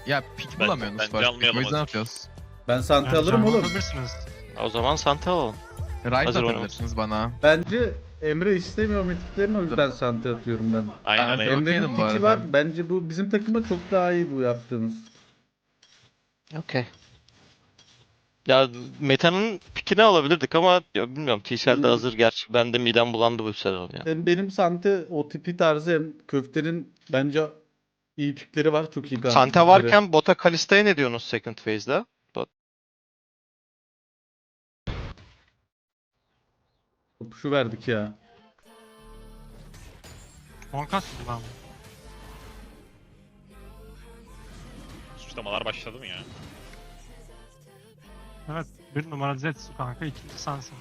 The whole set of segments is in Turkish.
Ya pick bulamıyorsunuz bence first pick. almayalım O yüzden hazır. atıyoruz. Ben Sante Yani alırım canlı oğlum. alabilirsiniz. O zaman Sante alalım. Ride Hazır atabilirsiniz bana. Bence Emre istemiyor mitiklerini, o yüzden Sante atıyorum ben. Aynen Evet, öyle. okeydim Emre'nin bu piki arada. var. Bence bu bizim takıma çok daha iyi bu yaptığınız. Okey. Ya Meta'nın pikini alabilirdik ama ya bilmiyorum. T-Shell'de Hmm. hazır gerçi. Ben de midem bulandı bu sezon ya. Hem benim Sante o tipi tarzı hem köftenin bence iyi pikleri var. Çok iyi Sante pikleri. varken bota Kalista'ya ne diyorsunuz second phase'de? Şu verdik ya. Monkas gibi lan. Suçlamalar başladı mı ya? Evet. Bir numara Zetsu kanka. İkinci sensin.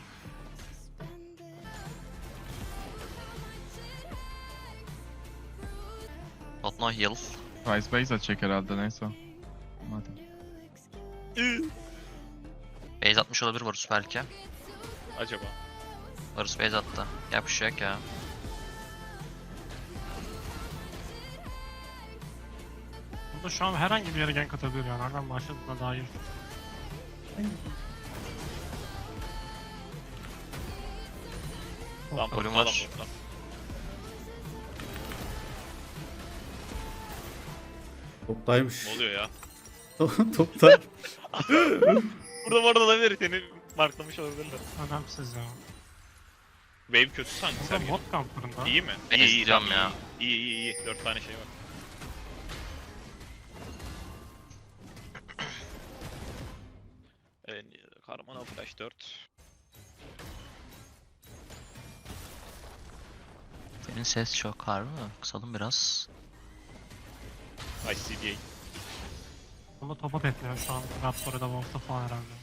Not no heal. Price base atacak herhalde neyse. Madem. Base atmış olabilir Varus belki. Acaba. Varus base attı. Yapışacak ya. Bunda şu an herhangi bir yere gank atabilir yani. Nereden başladığına dair. Lan Ölüm burada, var. lan Toptaymış. burada. Ne oluyor ya? Topta. Burada bu arada olabilir. Seni marklamış olabilirler. Önemsiz ya. Wave kötü sanki Burada Sergen. mod kamplarında. İyi mi? Ben İyi izleyeceğim tamam, ya. İyi. 4 tane şey var. Evet, Karmana Flash 4. Senin ses çok harbi mi? Kısalım biraz. ICDA. Bunda topa tekliyor şu an. Raptor'a da Wolf'ta falan herhalde.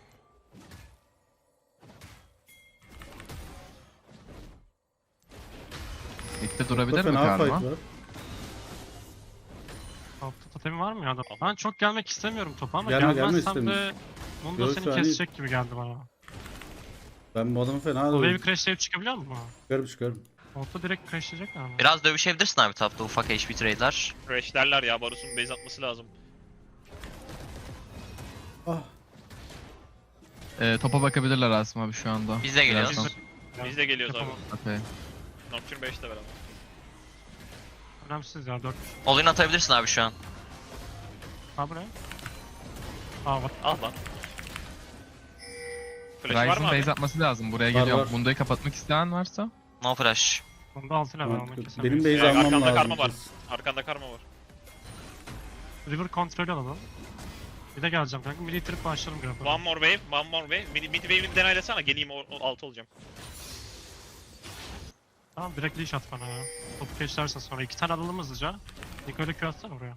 Mid'de durabilir mi Fena fight Karma? var. Topta totemi var mı ya da? Ben çok gelmek istemiyorum topa ama Gelme gelmezsem istemiyor. de bunu da Yok, seni şu an kesecek gibi geldi bana. Ben bu adamı fena O wave alıyorum. crashlayıp çıkabiliyor mu? Çıkarım. Orta direkt crashlayacak ama. Biraz dövüşebilirsin abi tapta ufak HP trade'ler. Crash'lerler ya. Varus'un base atması lazım. Ah. Topa bakabilirler Asım abi şu anda. Biz de geliyoruz. Birazdan. Biz de geliyoruz abi. Yapamam. Okey. Nocturne 5'te beraber. Önemsiz ya 4. Olin atabilirsin abi şu an. Ha buraya. Aa bak. Al lan. Flash var mı Ryze'ın abi? base atması lazım. Buraya Var, geliyorum. var. Bundo'yu kapatmak isteyen varsa. No flash. Bunda 6 level onu Benim kesemeyiz. base almam Arkanda lazım. karma var. Arkanda karma var. River kontrolü alalım. Bir de geleceğim kanka. Milli trip başlayalım grafı. One more wave, one more wave. Mid wave'ini denaylasana. Geleyim alt olacağım. Tamam direkt leash at bana ya. Topu geçlersen sonra 2 tane alalım hızlıca. Niko'yla Q atsana buraya.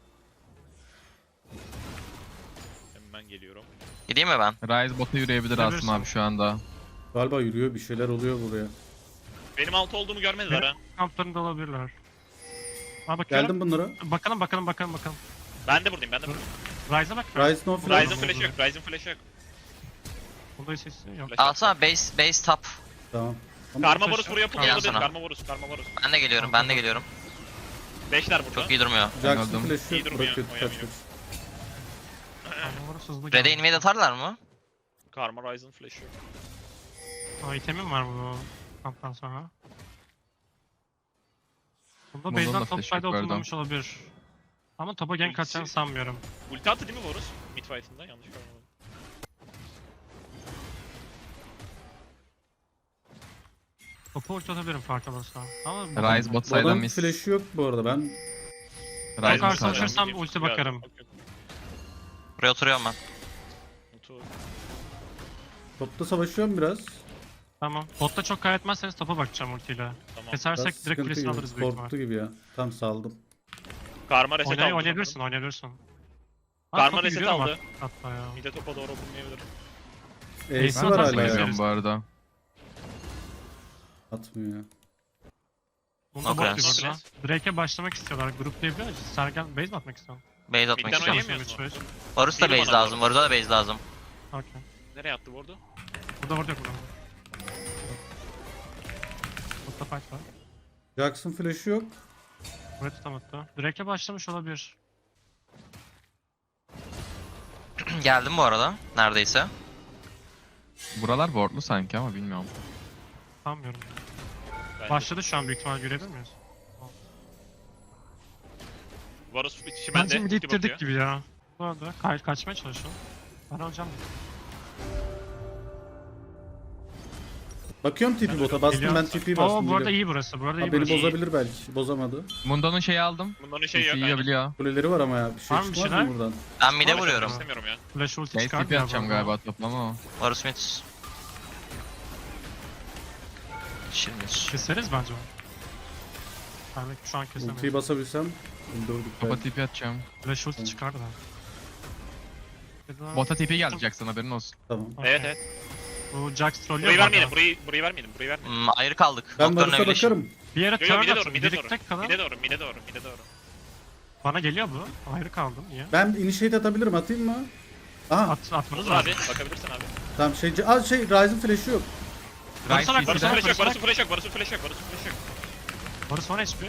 Hemen geliyorum. Gideyim mi ben? Ryze bota yürüyebilir Asım Yürürsün. abi şu anda. Galiba yürüyor, bir şeyler oluyor buraya. Benim alt olduğumu görmediler ha. Kamplarında olabilirler. Aa bakıyorum. Geldim bunlara. Bakalım. Ben de buradayım, ben de buradayım. Ryze'a bak. Rise no flash. Ryze'ın flash'ı yok, Ryze'ın flash'ı yok. Bunda hiç sesi yok. Flash yok. Alsana base top. Tamam. Ama Karma flash Varus yok. buraya pull Gel olabilir. sana. Karma Varus. Ben de geliyorum. 5'ler burada. Çok iyi durmuyor. Jackson Öldüm. flash'ı İyi durmuyor, bırakıyor. Kaç oynamıyor. Adamları hızlı Red'e geldi. invade atarlar mı? Karma Ryze'ın flash'ı yok. Aa itemim var bu kamptan sonra. Bunda Bunun base'den da top flash yok side'a bu arada. oturmamış olabilir. Ama topa gank Ultisi- atacağını sanmıyorum. Ulti attı değil mi Varus? Mid fight'ında yanlış görmedim. Topu ulti atabilirim fark olursa. Ama Ryze bot Bu side'dan adamın miss. flash'ı yok bu arada. Ben Ben Ryze'ın karşılaşırsam side'dan. ulti bakarım. Buraya oturuyorum ben. topta savaşıyorum biraz. Tamam. Botta çok kaybetmezseniz topa bakacağım ultiyle. Tamam. Kesersek Biraz direkt sıkıntı kulesini gibi. alırız büyük ihtimal. Korktu gibi ya. Tam saldım. Karma reset aldı. Oynayabilirsin. Karma topu reset yürüyorum aldı. Hatta ya. Mid'e topa doğru oturmayabilir. Ace'i Ben var atarsam hala ya. izlerim. Görüyorum bu arada. Atmıyor ya. Bunda Okay. bot gibi burada. Nocturne. Drake'e başlamak istiyorlar. Gruplayabiliyor muyuz? Sergen base mi atmak istiyorsun? Base atmak Mid'den istiyorum. oynayamıyoruz mu? Varus da Değilim base ona lazım. Varus'a da base lazım. Okey. Nereye attı bu arada? Burada. Botta fight var. Jackson flash'ı yok. Buraya tutamadı. Drake'e başlamış olabilir. Geldim bu arada. Neredeyse. Buralar wardlu sanki ama bilmiyorum. Sanmıyorum. Bence. Başladı şu an büyük ihtimal görebilir miyiz? Varus içi Bence bende. mid ulti ittirdik bakıyor. gibi ya. Bu arada kaçmaya çalışalım. Ben alacağım. Bakıyorum TP bota. Bastım Geliyor. ben TP'yi bastım. Oo bu arada geliyorum. iyi burası. Bu arada iyi Ha, beni burası. bozabilir belki. Bozamadı. Mundo'nun şeyi aldım. Bunların şey yok. CC aynen. yiyebiliyor. Kuleleri var ama ya. Bir şey Var mı bir çıkmaz şeyler? mı buradan? Ben mid'e Varus'u vuruyorum. İstemiyorum ya. Flash ulti Şey çıkar TP atacağım galiba toplama o. Varus mid. Şirmiş. Keseriz bence onu. Ben belki şu an Ultiyi kesemeyiz. basabilsem. Öldürdük Topa belki. TP atacağım. Flash ulti çıkar da. Bota TP geleceksin haberin olsun. Tamam. Evet evet. Bu Jax trollüyor Burayı bu vermeyelim. arada. Burayı vermeyelim. Burayı vermeyelim. Ayrı kaldık. Ben Doktorun Varus'a evleşim. bakarım. Bir yere Yo yo turn mide doğru atın. mide doğru. Birlikte kalın. Mide doğru mide doğru mide doğru. Bana geliyor bu. Ayrı kaldım. Niye? Ben initiate atabilirim. Atayım mı? Aha. Atmanız Olur lazım. abi bakabilirsin abi. Tamam Ryze'ın flash'ı yok. Varus'a bak, Varus'un Varus'a flash yok. bak. Varus'un flash yok. Varus'un flash yok. Varus'un flash yok. Varus 10 HP.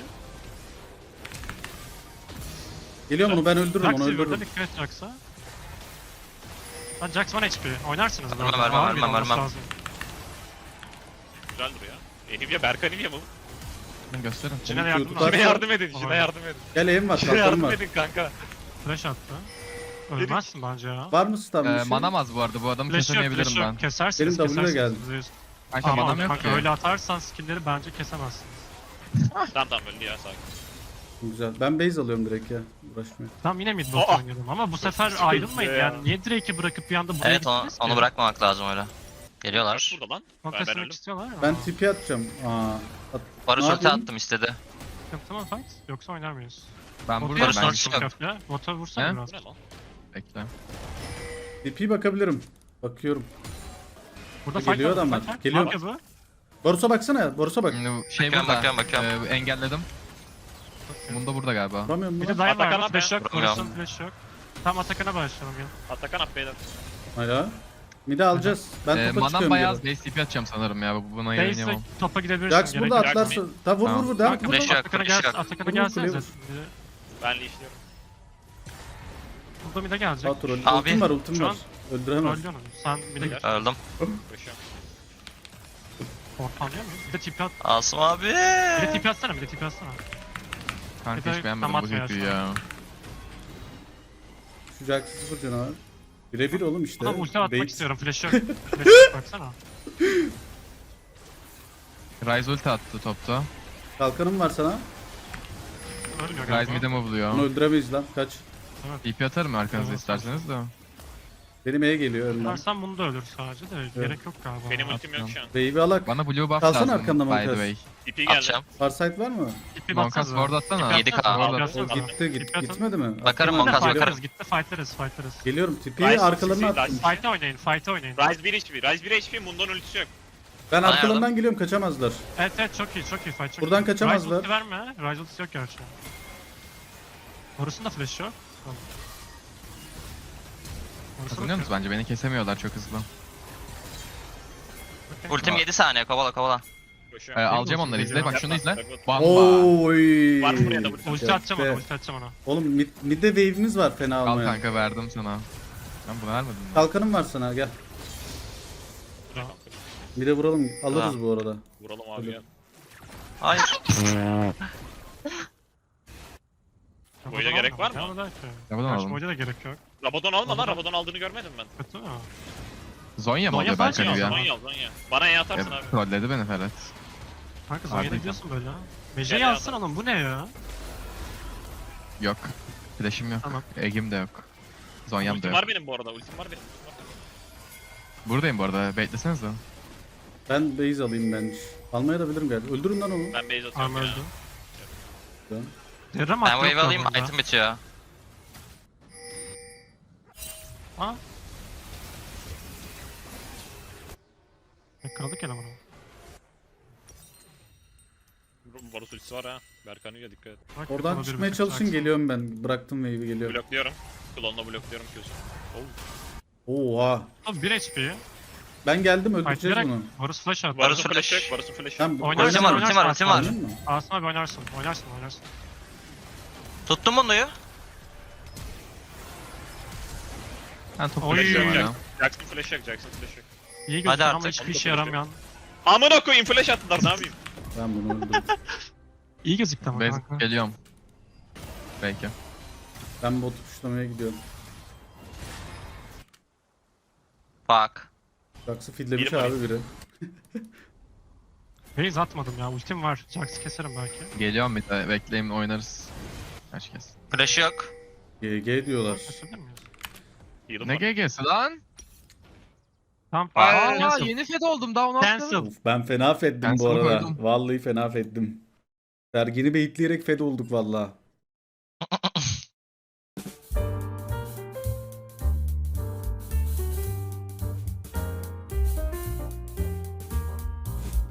Geliyor onu ben öldürürüm Jax onu burada öldürürüm. dikkat et Jax'a. Lan Jax 10 HP. Oynarsınız bu Vermem, arada. vermem, Ağır bir vermem, olması vermem. lazım. Güzel duruyor. Enivia Berk Enivia mı? Ben gösterin. Cine de yardım tutar. Cine lazım. yardım edin. Cine Vay. yardım edin. Gel evim var. Cine Kalkanım yardım var. edin kanka. Flash attı. Ölmezsin bence ya. Var mı stun bir şey? Manamaz bu arada bu adamı Flash yok, kesemeyebilirim flash ben. yok. Kesersiniz, Benim W'ye kesersiniz. geldi. Kanka Ama manam yok kanka ki. öyle atarsan skill'leri bence kesemezsiniz. Tamam öldü ya sakin. Güzel. Ben base alıyorum direkt ya. Uğraşmıyor. Tamam yine mid bot Aa! oynayalım ama bu sefer Sıkıntı ayrılmayın ya. yani. Niye Drake'i bırakıp bir anda buraya Evet onu, gittiniz ki? onu bırakmamak lazım öyle. Kaç Geliyorlar. burada lan? Ben Konteslemek öldüm. istiyorlar ya. Ben TP atacağım. Varus Ne ulti yapayım? attım istedi. Sıkıntı mı fight? Yoksa oynar mıyız? Ben Bot'a buradayım ben. Varus vursan yok. köfle. Bota vursana He? biraz. Bu ne lan? Bekle. TP bakabilirim. Bakıyorum. Burada Geliyor fight var, adamlar. fight var. Geliyor. Ne yapıyor bu? Varus'a baksana. Varus'a bak. Şimdi şey Bakıyorum, burada. bakıyorum. Engelledim. Mundo burada galiba. Vuramıyorum Bir bunu. de Dayan Atakan var. abi. Flash yok. Vuramıyorum. Varus'un flash yok. Tam Atakan'a başlayalım ya. Atakan at beyler. Hala. Mid'i alacağız. Ben topa Manam çıkıyorum bayağı geri. base TP atacağım sanırım ya. Buna Base'le oynayamam. topa gidebilirsin. Jax gerek burada yok. atlarsa. Tamam vur Tamam. vur devam. Kanka, Vur. Flash yok. Atakan'a flash gel, yok. Atakan'a Vur, gelsenize. kuleye vur. Ben işliyorum. Burada mid'e gelecek. Sağ troll. Abi, Ultim var ultim şu var. an Öldüremez. Öldü onu. Sen mid'e gel. Öldüm. Koşuyorum. Ortalıyor muyum? Bir de TP at. Asım abi. Bir de TP atsana, bir de TP atsana. Kanka Bir de hiç beğenmedim tam bu atmıyor TP'yi şu an. ya. Şu Jax'ı sıfır canavar. Birebir oğlum işte. Buna ulti atmak Bait. istiyorum. Flash yok. Flash yok baksana. Ryze ulti attı topta. Kalkanım var sana. Ölmüyor Ryze galiba. mid'e mi Bunu buluyor? öldüremeyiz lan. Kaç. TP atarım arkanıza Evet. isterseniz de. Benim E'ye geliyor önden. Dersen bunu da ölür sadece de gerek yok galiba. Benim ultim yok şu an. Wave'i alak. Bana blue buff Kalsana lazım arkamda by the Monkas. way. TP geldi. Atacağım. Farsight var mı? TP Monkas batsanıza. ward atsana. 7K. Ward O Atsanıza. gitti gitmedi mi? Bakarım Attım ben. Monkas, Fightleriz, bakarım. gitti fightleriz. Geliyorum tipi Ryze, arkalarına Ryze. attım. Fight'e oynayın. Rise 1 HP. Rise 1 HP. Mundo'nun ultisi yok. Ben Bana arkalarından yardım. geliyorum kaçamazlar. Evet çok iyi fight çok Buradan iyi. kaçamazlar. Ryze ulti verme. Ryze ultisi yok gerçi. Horus'un da flash yok. Tamam. Horus'a Kazanıyor musun? Bence beni kesemiyorlar çok hızlı. bakıyorum. Ultim 7 saniye kovala. Koşuyorum. Alacağım onları izle. Bak şunu izle. Yapma. Bamba. Oy. Var mı buraya da ulti? Ulti atacağım Köfte. ona, ulti atacağım ona. Oğlum midde wave'imiz var fena Al almaya. kanka verdim sana. Ben bunu vermedim mi? Kalkanım var sana gel. Mid'e vuralım alırız Ha. bu arada. Vuralım abi ya. Hayır. Boyuna gerek var mı? Ya da ki. Yapalım Gerçi alalım. boyuna da gerek yok. Rabadon alma lan. Rabadon- Rabadon aldığını görmedim ben. Kötü mü? Zonya mı Zonya oluyor falan belki şey ya? alsana. Zonya al Zonya. Bana E atarsın abi. Trolledi beni Ferhat. Kanka Zonya'da Harbiden. gidiyorsun böyle ha. Mece'yi Gel alsana oğlum bu ne ya? Yok. Flash'im yok. Tamam. Egim de yok. Zonyam da Ultim yok. var benim bu arada. Ultim var benim. Buradayım bu arada. Beklesenize. Ben base alayım bence. Almaya da bilirim galiba. Öldürün lan onu. Ben base atıyorum Arma ya. öldü. Tamam. Derram Ben attı wave yok alayım, burada. item bitiyor. Ha? Yakaladık elemanı. Varus ultisi var ha. Berkan'ı dikkat et. Bak, Oradan yakaladı çıkmaya bir çalışın tık. geliyorum ben. Bıraktım wave'i geliyorum. Blokluyorum. Klonla blokluyorum Q'su. Oha. Abi 1 HP. Ben geldim Fight öldüreceğiz direkt. bunu. Varus flash attı. Varus Varus'un flash. flash yok. Varus'un flash yok. Sen Oynarsın, Ultim var, ultim var, ultim var. Oynayayım mı? Asım abi oynarsın. Tuttum bunu. Ben topu Oy. bekliyorum Flash ya. yok. Jackson flash yok. Jackson flash yok. İyi gözüküyor ama artık. hiçbir işe yaramayan. Amına koyayım flash attılar ne yapayım? Ben bunu öldüm. İyi gözüktü ama Base kanka. geliyorum. Belki. Ben botu tuşlamaya gidiyorum. Bak. Jax'ı fidlemiş Biri var. abi biri. Base atmadım ya. Ultim var. Jax'ı keserim belki. Geliyorum bir de bekleyin oynarız. Kaç kez. Flash yok. GG diyorlar. Kesebilir miyiz? Heal'ım Ne var. GG'si lan? Tamam. Aa Cancel. yeni fed oldum daha onu Cancel. atladım. Of, ben fena feddim bu Ben sana arada. koydum. Vallahi fena feddim. Sergen'i beyitleyerek fed olduk valla.